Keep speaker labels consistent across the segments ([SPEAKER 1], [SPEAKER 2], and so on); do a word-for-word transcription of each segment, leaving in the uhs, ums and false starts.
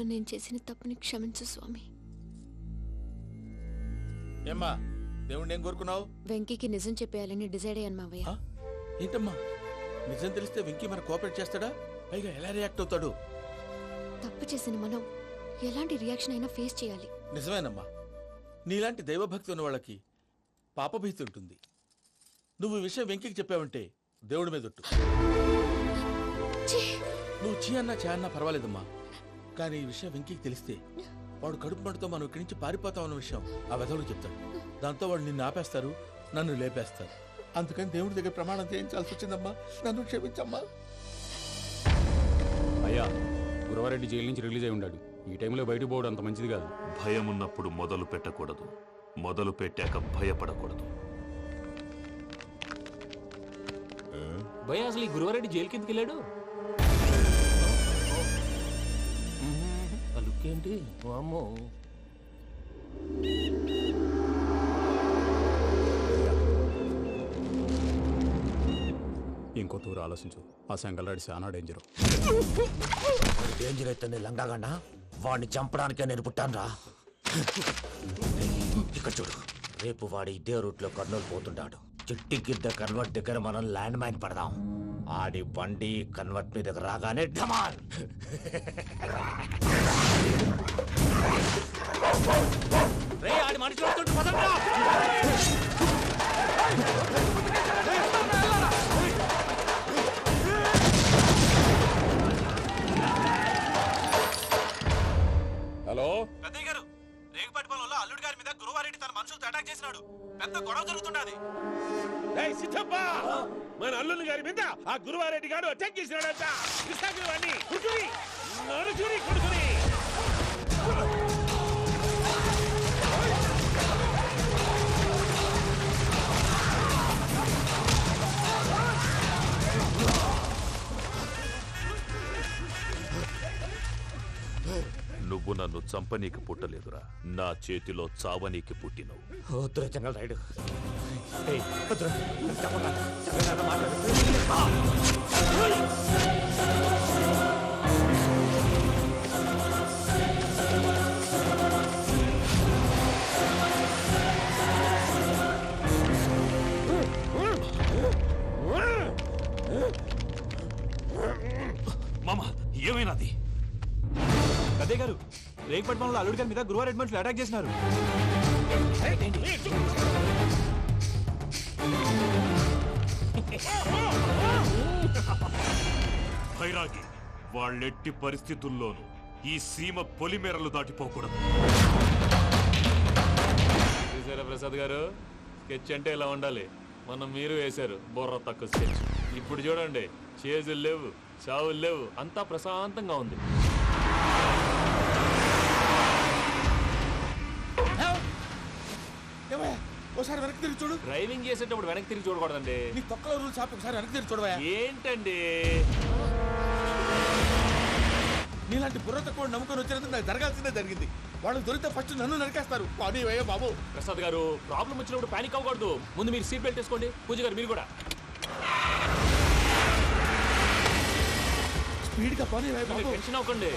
[SPEAKER 1] విషయంలో నేను చేసిన తప్పుని క్షమించు స్వామి.
[SPEAKER 2] ఏమ్మా దేవుణ్ణి ఏం కోరుకున్నావు?
[SPEAKER 1] వెంకీకి నిజం చెప్పేయాలని డిసైడ్ అయ్యాను మావయ్య.
[SPEAKER 2] ఏంటమ్మా నిజం తెలిస్తే వెంకీ మన కోఆపరేట్ చేస్తాడా? పైగా ఎలా రియాక్ట్ అవుతాడు?
[SPEAKER 1] తప్పు చేసిన మనం ఎలాంటి రియాక్షన్ అయినా ఫేస్ చేయాలి.
[SPEAKER 2] నిజమేనమ్మా, నీలాంటి దైవభక్తి ఉన్న వాళ్ళకి పాపభీతి ఉంటుంది. నువ్వు ఈ విషయం వెంకీకి చెప్పావంటే దేవుడి మీద ఒట్టు. నువ్వు చీ అన్నా చే అన్నా పర్వాలేదమ్మా, కానీ ఈ విషయం వెంకీకి తెలిస్తే వాడు కడుపు మంటతో మనం ఇక్కడి నుంచి పారిపోతాం అన్న విషయం ఆ వెధవుడు చెప్తాడు. దాంతో వాడు నిన్ను ఆపేస్తారు, నన్ను లేపేస్తారు. అందుకని దేవుడి దగ్గర ప్రమాణం చేయించాల్సి వచ్చిందమ్మా, నన్ను క్షమించమ్మా.
[SPEAKER 3] అయ్యా, గురవారెడ్డి జైలు నుంచి రిలీజ్ అయి ఉన్నాడు. ఈ టైంలో బయటకు పోవడం అంత మంచిది కాదు.
[SPEAKER 4] భయం ఉన్నప్పుడు మొదలు పెట్టకూడదు, మొదలు పెట్టాక భయపడకూడదు.
[SPEAKER 5] భయ అసలు ఈ గురువారెడ్డి జైలు కిందకి వెళ్ళాడు. లుక్ ఏంటి అమ్మో.
[SPEAKER 3] ఇంకో తూరు ఆలోచించు. ఆ సంగల్రాడి చాలా డేంజర్.
[SPEAKER 6] డేంజర్ అయితే లంగాగండ వాడిని చంపడానికే నేను పుట్టాను రా. ఇక్కడ చూడు, రేపు వాడు ఇదే రూట్ లో కర్నూలు పోతుంటాడు. చిట్టి గిద్ద కన్వర్ట్ దగ్గర మనం ల్యాండ్ మైన్ పడదాం. ఆడి బండి కన్వర్ట్ మీద రాగానే ఢమాల్.
[SPEAKER 5] రే ఆడి మనిషి వస్తుంటే పదండ్రా.
[SPEAKER 2] హలో
[SPEAKER 7] పెద్దయ్య గారు, రేగుపాటి పొలంలో అల్లుడి గారి మీద గురువారెడ్డి తన మనుషులతో అటాక్ చేసినాడు. పెద్ద గొడవ జరుగుతున్నది.
[SPEAKER 8] మన అల్లుడి గారి మీద ఆ గురువారెడ్డి గారు అటాక్ చేసినాడంట. విశాఖని కుడుకుని నరుచుని కుడుకుని
[SPEAKER 4] నువ్వు నన్ను చంపనీకి పుట్టలేదురా, నా చేతిలో చావనీకి పుట్టినవు.
[SPEAKER 6] వద్దురా జంగల్ రైడ్.
[SPEAKER 4] మామ ఏమైనాది?
[SPEAKER 7] పెద్దయ్య గారు, రేగుపాటి పొలంలో అల్లుడి గారి మీద గురువారెడ్డి మనుషులు అటాక్ చేసినారు.
[SPEAKER 4] భైరాగి, వాళ్ళెట్టి పరిస్థితుల్లోనూ ఈ సీమ పొలిమేరలు దాటిపోకూడదు.
[SPEAKER 5] చూసారా ప్రసాద్ గారు, స్కెచ్ అంటే ఇలా ఉండాలి. మనం మీరు వేశారు బొర్ర తక్కువ స్కెచ్. ఇప్పుడు చూడండి, చేజులు లేవు, చావులు లేవు, అంతా ప్రశాంతంగా ఉంది.
[SPEAKER 2] ఒకసారి వెనక్కి తిరిగి చూడు.
[SPEAKER 5] డ్రైవింగ్ చేసేటప్పుడు వెనక్కి తిరిగి చూడకూడదండి.
[SPEAKER 2] నీ తొక్కలో రూల్స్ ఆపి ఒకసారి వెనక్కి తిరిగి చూడవా.
[SPEAKER 5] ఏంటండి
[SPEAKER 2] నీలాంటి బుర్ర తక్కువ నమ్ముకొని వచ్చినందుకు నాకు జరగాల్సిందే జరిగింది. వాళ్ళు దొరికితే ఫస్ట్ నన్ను నరికేస్తారు. పానీ వయ్యా బాబు.
[SPEAKER 5] ప్రసాద్ గారు, ప్రాబ్లం వచ్చినప్పుడు పానిక్ అవ్వకూడదు. ముందు మీరు సీట్ బెల్ట్ వేసుకోండి. పూజ గారు మీరు కూడా
[SPEAKER 2] స్పీడ్ గా పానీ వయ్యా బాబు.
[SPEAKER 5] టెన్షన్ అవ్వకండి.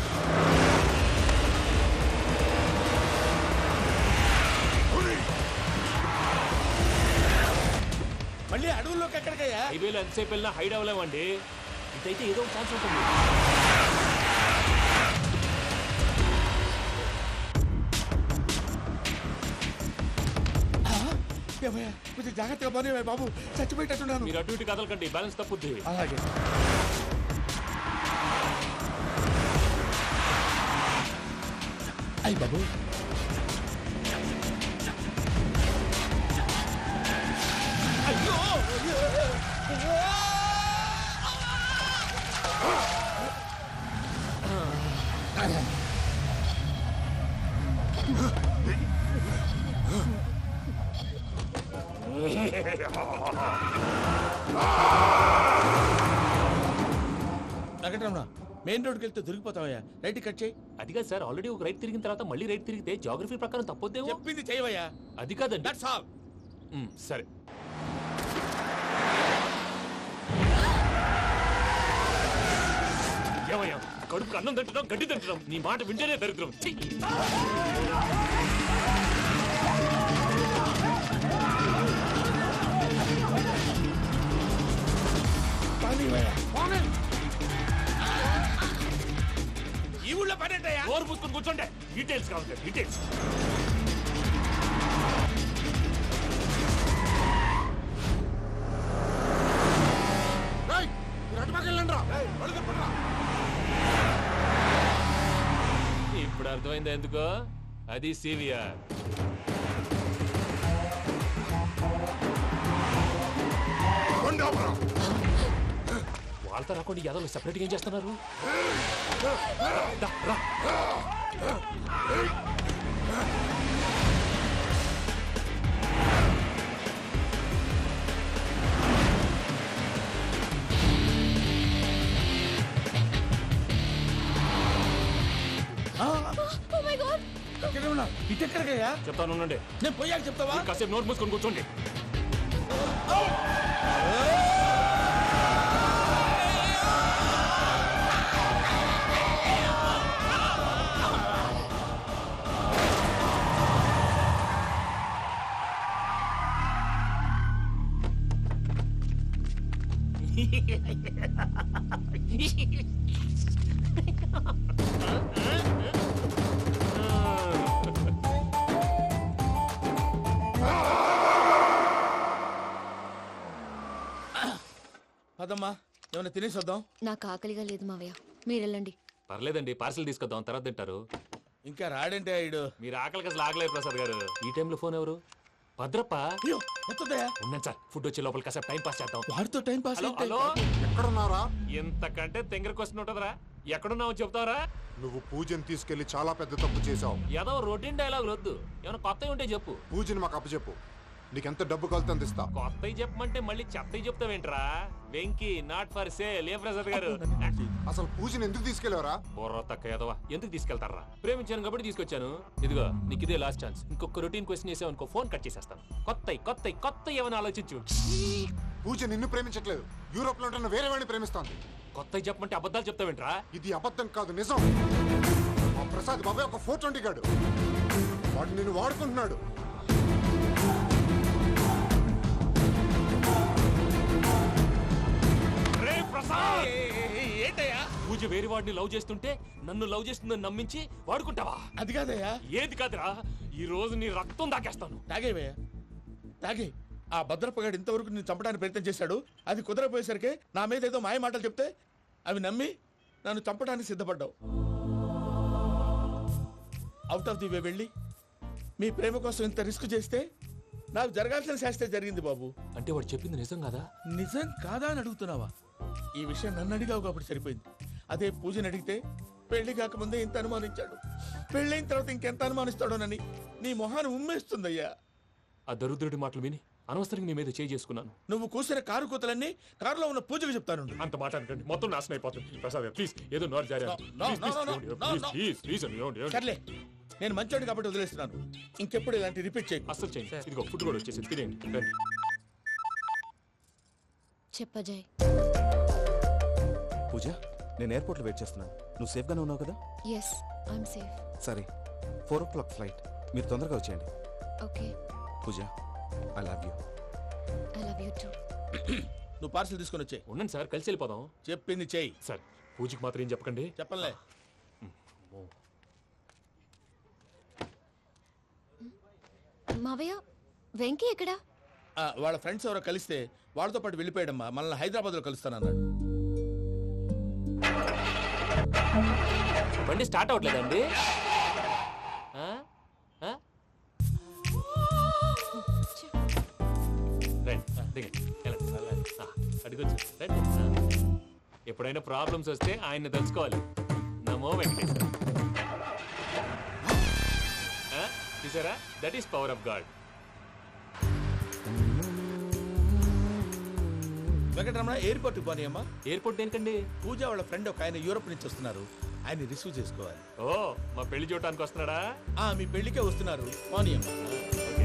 [SPEAKER 2] మళ్ళీ అడవుల్లోకి ఎక్కడికయ్యా?
[SPEAKER 5] హైవేలో ఎంతసేపు వెళ్ళినా హైడ్ అవ్వలేమండి. ఇదైతే ఏదో ఒక ఛాన్స్ ఉంటుంది.
[SPEAKER 2] కొంచెం జాగ్రత్తగా పని బాబు, చచ్చిపోయేటట్టున్నాను.
[SPEAKER 5] మీరు అటు ఇటు కదలకండి, బ్యాలెన్స్ తప్పుద్ది.
[SPEAKER 2] అలాగే. అయ్యి బాబు, అయ్యో వెంకటరమణ, మెయిన్ రోడ్కి వెళ్తే దొరికిపోతావయ్యా. రైట్ కట్ చేయి.
[SPEAKER 5] అది కాదు సార్, ఆల్రెడీ ఒక రైట్ తిరిగిన తర్వాత మళ్ళీ రైట్ తిరిగితే జాగ్రఫీ ప్రకారం తప్పొద్దేమో.
[SPEAKER 2] చెప్పింది చేయవయ్యా.
[SPEAKER 5] అది కాదండి.
[SPEAKER 2] That's all.
[SPEAKER 5] సరే.
[SPEAKER 8] ఏమయ్యా,
[SPEAKER 5] కడుపు అన్నం తింటున్నాం గడ్డి తింటున్నాం నీ మాట వింటేనే దరిద్రం ఛీ!
[SPEAKER 2] ఈ ఊళ్ళో పనేటయ్యా?
[SPEAKER 5] నోరు పూసుకొని కూర్చోండి డీటెయిల్స్ కావాలి డీటెయిల్స్. ఇప్పుడు అర్థమైంది ఎందుకో అది సివిఆర్. వాళ్ళతో రాకుండా యాదవ్ సెపరేట్గా ఏం చేస్తున్నారు? దా, రా.
[SPEAKER 2] ఎక్కడే ఉన్నా? ఇటు ఎక్కడికయ్యా?
[SPEAKER 5] చెప్తాను ఉండండి.
[SPEAKER 2] నేను పోయాక చెప్తావా?
[SPEAKER 5] కాసేపు నోట్ మూసుకొని కూర్చోండి.
[SPEAKER 2] పదమ్మా, ఏమైనా తినేసి వద్దాం.
[SPEAKER 1] నాకు ఆకలిగా లేదు మావయ్య, మీరు వెళ్ళండి.
[SPEAKER 5] పర్లేదండి, పార్సల్ తీసుకొద్దాం, తర్వాత తింటారు.
[SPEAKER 2] ఇంకా రాడంటే ఆయుడు.
[SPEAKER 5] మీరు ఆకలికి అసలు ఆగలేదు ప్రసాద్ గారు. ఈ టైంలో ఫోన్ ఎవరు? భద్రప్ప.
[SPEAKER 2] అయ్యో వస్తుందయ్యా?
[SPEAKER 5] ఉన్నాను సార్, ఫుడ్ వచ్చే లోపల కాసేపు టైం పాస్ చేద్దాం.
[SPEAKER 2] వాడితో టైం పాస్
[SPEAKER 5] హలో
[SPEAKER 2] అయితే
[SPEAKER 5] హలో,
[SPEAKER 9] ఎక్కడున్నారా?
[SPEAKER 5] ఇంతకంటే తెంగర క్వశ్చన్ ఉంటుందిరా. ఎక్కడున్నావు చెప్తావరా?
[SPEAKER 9] నువ్వు పూజని తీసుకెళ్లి చాలా పెద్ద తప్పు చేశావు.
[SPEAKER 5] ఏదో రొటీన్ డైలాగ్ వద్దు, ఏమైనా కొత్తవి ఉంటే చెప్పు.
[SPEAKER 9] పూజని మాకు అప్పచెప్పు, నీకెంత డబ్బు కలితే అంత ఇస్తా.
[SPEAKER 5] కొత్తవి చెప్పమంటే మళ్ళీ చెత్తవి చెప్తావేంట్రా? Venky not for sale. ఏ ప్రసాద్ గారు?
[SPEAKER 9] అసలు పూజని ఎందుకు తీసుకెళ్లేవరా?
[SPEAKER 5] బుర్ర తక్క ఏదవా, ఎందుకు తీసుకెళ్తారా? ప్రేమించాను కాబట్టి తీసుకొచ్చాను. ఇదిగో నీకు ఇదే లాస్ట్ ఛాన్స్. ఇంకొక రొటీన్ క్వశ్చన్ చేసావు అనుకో, ఫోన్ కట్ చేసేస్తాను. కొత్త కొత్త కొత్త ఏమైనా ఆలోచించు.
[SPEAKER 9] పూజ నిన్ను ప్రేమించట్లేదు, యూరోప్ లో ఉంటున్న వేరే వాడిని ప్రేమిస్తాంది.
[SPEAKER 5] కొత్త చెప్పమంటే అబద్ధాలు చెప్తావేంట్రా?
[SPEAKER 9] ఇది అబద్ధం కాదు, నిజం. ఆ ప్రసాద్ బాబాయ్ ఒక ఫోర్ ట్వంటీ గాడు, వాడు నిన్ను వాడుకుంటున్నాడు.
[SPEAKER 2] ఏంటయ్యా?
[SPEAKER 5] పూజ వేరే వాడిని లవ్ చేస్తుంటే నన్ను లవ్ చేస్తుందని నమ్మించి వాడుకుంటావా?
[SPEAKER 2] అది కాదయ్యా.
[SPEAKER 5] ఏది కాదురా, ఈ రోజు నీ రక్తం దాకేస్తాను.
[SPEAKER 2] తాగేవయ్యా, తాగే. ఆ భద్రపగాడు ఇంతవరకు నేను చంపడానికి ప్రయత్నం చేశాడు. అది కుదరపోయేసరికి నా మీద ఏదో మాయ మాటలు చెప్తే అవి నమ్మి నన్ను చంపడానికి సిద్ధపడ్డావు. అవుట్ ఆఫ్ ది వే వెళ్ళి మీ ప్రేమ కోసం ఇంత రిస్క్ చేస్తే నాకు జరగాల్సిన శాస్త్రే జరిగింది బాబు.
[SPEAKER 5] అంటే వాడు చెప్పింది నిజం కదా?
[SPEAKER 2] నిజం కాదా అని అడుగుతున్నావా? ఈ విషయం నన్ను అడిగావు కాబట్టి సరిపోయింది. అదే పూజని అడిగితే పెళ్లి కాకముందే ఇంత అనుమానించాడు, పెళ్ళైన తర్వాత ఇంకెంత అనుమానిస్తాడోనని నీ మొహాన్ని ఉమ్మేస్తుందయ్యా.
[SPEAKER 5] ఆ దరిద్రుడి మాటలు విని అనవసరంగా నీ మీద చేయి చేసుకున్నాను.
[SPEAKER 2] నువ్వు కూసిన కారు కూతలన్నీ కారులో ఉన్న పూజకు చెప్తాను.
[SPEAKER 5] అంత మాట అనకండి, మొత్తం నాశనం అయిపోతుంది. ప్రసాద్ ప్లీజ్, ఏదో నోరు జారీ.
[SPEAKER 2] No, no, no, no, no, no, no. సర్లే, నేను మంచోడు కాబట్టి వదిలేస్తున్నాను. ఇంకెప్పుడు ఇలాంటి రిపీట్ చేయకు.
[SPEAKER 5] అస్సలు చేయండి. ఇదిగో ఫుడ్ కూడా వచ్చేసి తినేయండి. రండి.
[SPEAKER 1] చెప్పజాయ్.
[SPEAKER 7] పూజ, నేను ఎయిర్పోర్ట్లో వెయిట్ చేస్తున్నాను. నువ్వు సేఫ్గానే ఉన్నావు కదా?
[SPEAKER 1] Yes, I'm safe.
[SPEAKER 7] సరే, ఫోర్ ఓ క్లాక్ ఫ్లైట్, మీరు తొందరగా వచ్చేయండి.
[SPEAKER 1] Okay.
[SPEAKER 7] Pooja, I love you.
[SPEAKER 1] I love you too.
[SPEAKER 2] నువ్వు పార్సల్ తీసుకొని వచ్చే.
[SPEAKER 5] ఉండండి సార్, కలిసి వెళ్ళిపోదాం.
[SPEAKER 2] చెప్పింది చెయ్యి.
[SPEAKER 5] సార్, పూజకి మాత్రం ఏం చెప్పకండి.
[SPEAKER 2] చెప్పలే.
[SPEAKER 1] మావయ్య, వెంకీ ఎక్కడా?
[SPEAKER 2] ఆ, వాళ్ళ ఫ్రెండ్స్ ఎవరో కలిస్తే వాళ్ళతో పాటు వెళ్ళిపోయాడమ్మా. మనల్ని హైదరాబాద్లో కలుస్తానన్నాడు.
[SPEAKER 5] బండి స్టార్ట్ అవ్వట్లేదండి. అడిగొచ్చు రండి. ఎప్పుడైనా ప్రాబ్లమ్స్ వస్తే ఆయన్ని తెలుసుకోవాలి. నమో వెంకటేశ్వర. చూసారా, that is power of God.
[SPEAKER 2] Venkataramana, ఎయిర్పోర్ట్కి పోనీ అమ్మా.
[SPEAKER 5] ఎయిర్పోర్ట్ దేనికండి?
[SPEAKER 2] పూజ వాళ్ళ ఫ్రెండ్ ఒక ఆయన యూరోప్ నుంచి వస్తున్నారు, ఆయన రిసీవ్ చేసుకోవాలి.
[SPEAKER 5] ఓ, మా పెళ్లి చూడటానికి వస్తున్నాడా?
[SPEAKER 2] ఆ, మీ పెళ్లికే వస్తున్నారు, పోనీ అమ్మా.
[SPEAKER 5] ఓకే.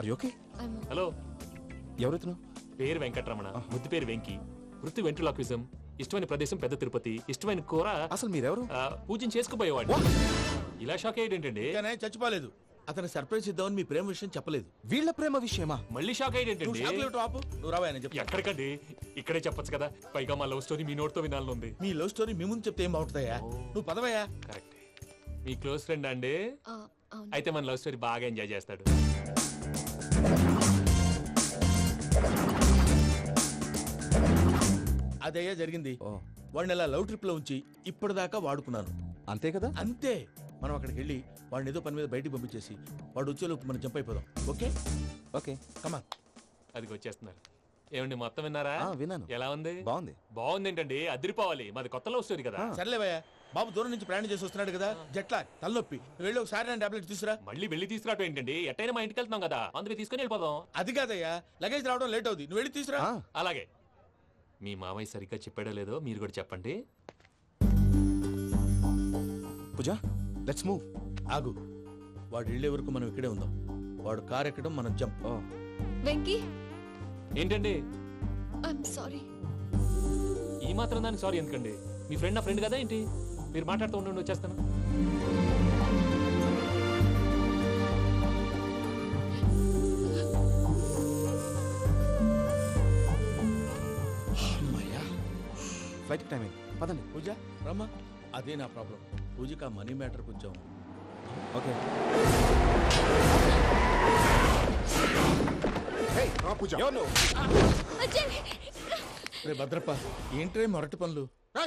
[SPEAKER 10] ఓకే
[SPEAKER 5] హలో,
[SPEAKER 10] ఎవరైతున్నా?
[SPEAKER 5] పేరు వెంకటరమణ, ముద్దు పేరు వెంకి, వృత్తి వెంట్రులాక్విజం, ఇష్టమైన ప్రదేశం పెద్ద తిరుపతి, ఇష్టమైన కూర.
[SPEAKER 10] అసలు మీరెవరు?
[SPEAKER 5] పూజను చేసుకుపోయేవాడు. ఇలా షాక్ అయ్యేటండి.
[SPEAKER 2] చచ్చిపోలేదు. అతను సర్ప్రైజ్ ఇద్దామని మీ ప్రేమ విషయం చెప్పలేదు.
[SPEAKER 10] వీళ్ళ ప్రేమ విషయమా?
[SPEAKER 5] మళ్ళీ షాక్ అయ్యేటండి.
[SPEAKER 2] నువ్వు రావా చెప్పి.
[SPEAKER 5] ఎక్కడికండి, ఇక్కడే చెప్పొచ్చు కదా. పైగా మా లవ్ స్టోరీ మీ నోట్తో వినాలని ఉంది.
[SPEAKER 2] మీ లవ్ స్టోరీ మీ ముందు చెప్తే ఏం బాగుంటుందయ్యా? నువ్వు పదవయ్యా.
[SPEAKER 5] కరెక్ట్. మీ క్లోజ్ ఫ్రెండ్ అండి? అయితే మన లవ్ స్టోరీ బాగా ఎంజాయ్ చేస్తాడు.
[SPEAKER 2] అదయ్యా జరిగింది. వాడిని అలా లవ్ ట్రిప్ లో ఉంచి ఇప్పటిదాకా వాడుకున్నాను.
[SPEAKER 10] అంతే కదా?
[SPEAKER 2] అంతే. మనం అక్కడికి వెళ్ళి వాడిని ఏదో పని మీద బయటికి పంపించేసి వాడు వచ్చేలోపు మనం జంప్ అయిపోదాం. ఓకే
[SPEAKER 10] ఓకే
[SPEAKER 2] కమా.
[SPEAKER 5] అది వచ్చేస్తున్నారు. ఏమండి మొత్తం విన్నారా?
[SPEAKER 10] విన్నాను.
[SPEAKER 5] ఎలా ఉంది?
[SPEAKER 10] బాగుంది.
[SPEAKER 5] బాగుంది ఏంటండి, అదిరిపోవాలి. మాది కొత్త లవ్ స్టోరీ కదా.
[SPEAKER 2] సర్లేవయ్యా, బాబు దూరం నుంచి ప్రయాణం చేసి వస్తున్నాడు కదా, జట్లా తలనొప్పి. వెళ్ళి ఒకసారి నా టాబ్లెట్ తీసుకురా.
[SPEAKER 5] మళ్ళీ వెళ్ళి తీసుకురావటం ఏంటండి? ఎట్టైనా మా ఇంటికి వెళ్తున్నాం కదా, అందుకే తీసుకుని వెళ్ళిపోదాం.
[SPEAKER 2] అది కాదయ్యా, లగేజ్ రావడం లేట్ అవుతుంది. నువ్వు వెళ్ళి తీసుకురా.
[SPEAKER 5] అలాగే. మీ మామయ్య సరిగ్గా చెప్పాడో లేదో మీరు కూడా చెప్పండి.
[SPEAKER 10] Pooja, let's move.
[SPEAKER 2] ఆగు. వాడు వెళ్ళే వరకు మనం ఇక్కడే ఉందాం. వాడు కార్ ఎక్కడం, మనం జంప్.
[SPEAKER 1] వెంకీ,
[SPEAKER 5] ఏంటండి?
[SPEAKER 1] I'm sorry.
[SPEAKER 5] ఈ మాత్రం దానికి సారీ ఎందుకండి? మీ ఫ్రెండ్ నా ఫ్రెండ్ కదా ఏంటి? మీరు మాట్లాడుతూ ఉండండి, వచ్చేస్తాను.
[SPEAKER 10] ఫ్లైట్ టైం అయింది, పదండి.
[SPEAKER 2] పూజ రమ్మా. అదే నా ప్రాబ్లం. పూజకి ఆ మనీ మ్యాటర్ కొంచెం.
[SPEAKER 10] ఓకే.
[SPEAKER 9] పూజ
[SPEAKER 2] రే భద్రప్ప, ఏంట్రే మొరటి పనులు?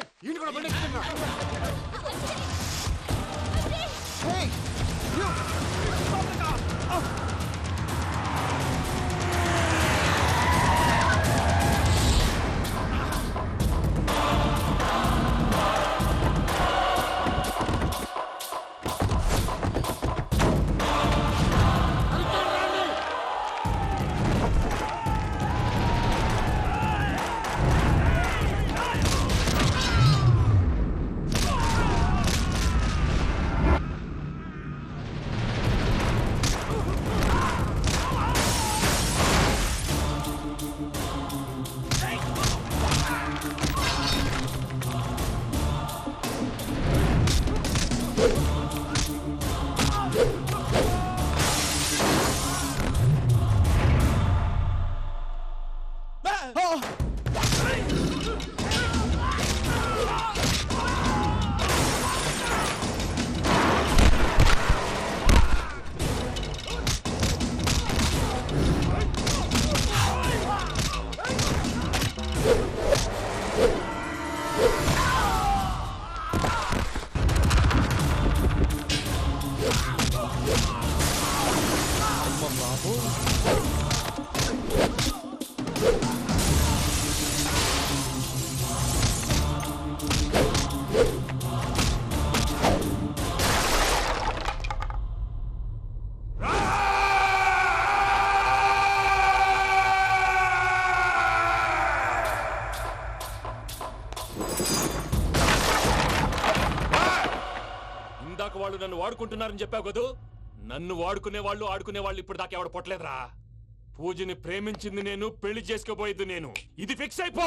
[SPEAKER 5] వాళ్ళు నన్ను వాడుకుంటున్నారని చెప్పావు కదూ. నన్ను వాడుకునే వాళ్ళు ఆడుకునే వాళ్ళు ఇప్పుడు దాకా ఎవడ పొట్టలేదురా. పూజని ప్రేమించింది నేను, పెళ్లి చేసుకోబోయేది నేను. ఇది ఫిక్స్ అయిపో.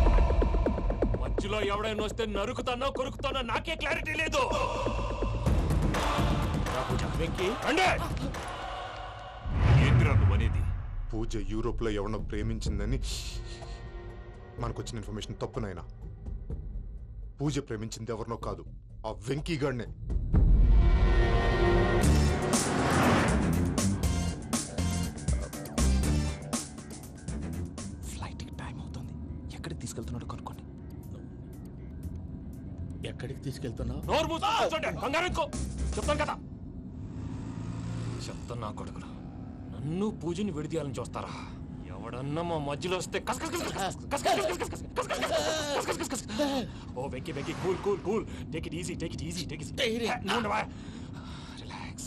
[SPEAKER 5] మధ్యలో ఎవడైనా వస్తే నరుకుతానో కొరుకుతానో నాకే క్లారిటీ లేదు.
[SPEAKER 4] ఏంటిరా నువ్వనేది?
[SPEAKER 9] పూజ యూరోప్ లో ఎవరినో ప్రేమించిందని మనకొచ్చిన ఇన్ఫర్మేషన్ తప్పునైనా. పూజ ప్రేమించింది ఎవరినో కాదు, ఆ వెంకీ గాడినే.
[SPEAKER 10] ఫ్లైట్ టైం అవుతుంది. ఎక్కడికి తీసుకెళ్తున్నాడో కనుక్కోండి.
[SPEAKER 2] ఎక్కడికి తీసుకెళ్తున్నావు?
[SPEAKER 5] నోరు మూసుకొని కూర్చోండి. కంగారు ఎక్కు. చెప్తాను కదా. చెప్తాను నా కొడుకురా. నన్ను పూజని విడిదీయాలని చూస్తారా? ఎవడన్నా మా మధ్యలో వస్తే ఓ వెక్కి వెక్కి cool cool cool. Take it easy, take it easy, take it relax.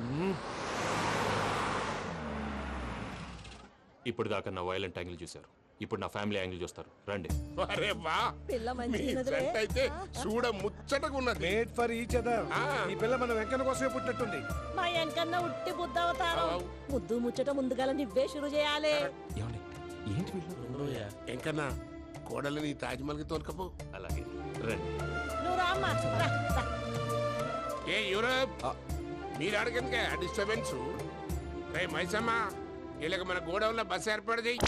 [SPEAKER 5] ఇప్పుడు దాకా నా వైలెంట్ యాంగిల్ చూశారు. ఇప్పుడు నా ఫ్యామిలీ యాంగిల్ చూస్తారు రండి.
[SPEAKER 11] అరే వా
[SPEAKER 12] పిల్ల
[SPEAKER 11] మీ
[SPEAKER 12] మంచిగున్నదిలే.
[SPEAKER 11] ఫ్రెండ్ అయితే చూడ ముచ్చటగా ఉన్నది.
[SPEAKER 8] Made for each other. ఈ పిల్ల మన వెంకన్న కోసమే పుట్టినట్టుంది.
[SPEAKER 12] మా వెనకన్నా ఉట్టి బుద్ధ అవతారం. ముద్దు ముచ్చట ముందుగాల నువ్వే షురు చేయాలి.
[SPEAKER 10] ఏమండి ఏంటి వీళ్ళు?
[SPEAKER 11] ఎంకన్నా కోడలని తాజ్మహల్ కి తోలుకపో.
[SPEAKER 5] అలాగే రండి.
[SPEAKER 12] నువ్వు రామ్మా రా, రా.
[SPEAKER 11] ఏ యూరప్ మీరు అడగనుక డిస్టర్బెన్స్. రే మైసమ్మ ఇలాగ మన గోడౌన్లో బస్సు ఏర్పాటు చేయి.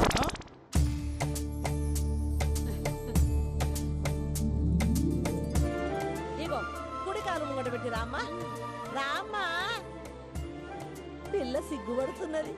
[SPEAKER 12] ఇగో కుడి కాలు ముంగట పెట్టి రామ్మా రామ్మా. పిల్ల సిగ్గుపడుతున్నది.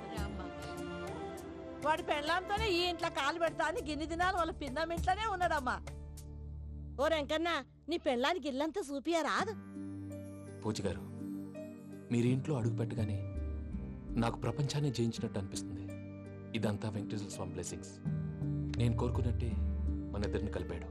[SPEAKER 12] వాడి పెళ్ళాంతోనే ఈ ఇంట్లో కాలు పెడతా అని గిన్ని దినాలు వాళ్ళ పిన్నం ఇంట్లోనే ఉన్నాడమ్మా. ఓ వెంకన్నా నీ పెళ్ళానికి ఇల్లంతా చూపియా రాదు.
[SPEAKER 5] పూజ గారు మీరు ఇంట్లో అడుగు పెట్టగానే నాకు ప్రపంచాన్ని జయించినట్టు అనిపిస్తుంది. ఇదంతా వెంకటేశ్వర స్వామి బ్లెస్సింగ్స్. నేను కోరుకున్నట్టే మన ఇద్దరిని కలిపాడు.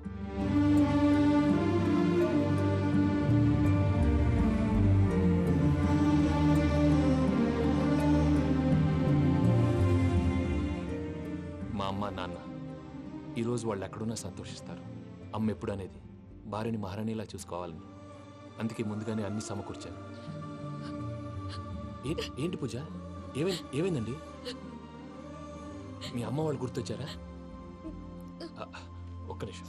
[SPEAKER 5] మా అమ్మ నాన్న ఈరోజు వాళ్ళు ఎక్కడున్నా సంతోషిస్తారు. అమ్మ ఎప్పుడు అనేది భార్యని మహారాణిలా చూసుకోవాలని. అందుకే ముందుగానే అన్ని సమకూర్చాను. ఏంటి ఏంటి పూజ ఏమైంది ఏమైందండి? మీ అమ్మ వాళ్ళు గుర్తొచ్చారా? ఆ, ఒక్క నిమిషం.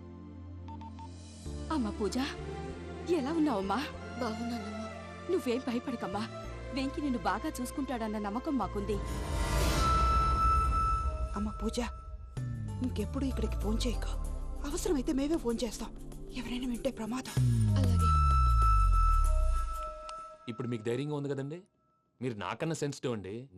[SPEAKER 13] అమ్మా పూజ ఎలా ఉన్నావమ్మా?
[SPEAKER 1] బాగున్నానమ్మా.
[SPEAKER 13] నువ్వేం భయపడకమ్మా. వెంకి నిన్ను బాగా చూసుకుంటాడన్న నమ్మకం మాకుంది.
[SPEAKER 14] అమ్మ పూజ ఇంకెప్పుడు ఇక్కడికి ఫోన్ చేయకు. అవసరమైతే మేమే ఫోన్ చేస్తాం. ఎవరైనా వింటే ప్రమాదం.
[SPEAKER 1] అలాగే.
[SPEAKER 5] ఇప్పుడు మీకు ధైర్యంగా ఉంది కదండి. మీరు నాకన్నా సెన్సిటివ్ అండి.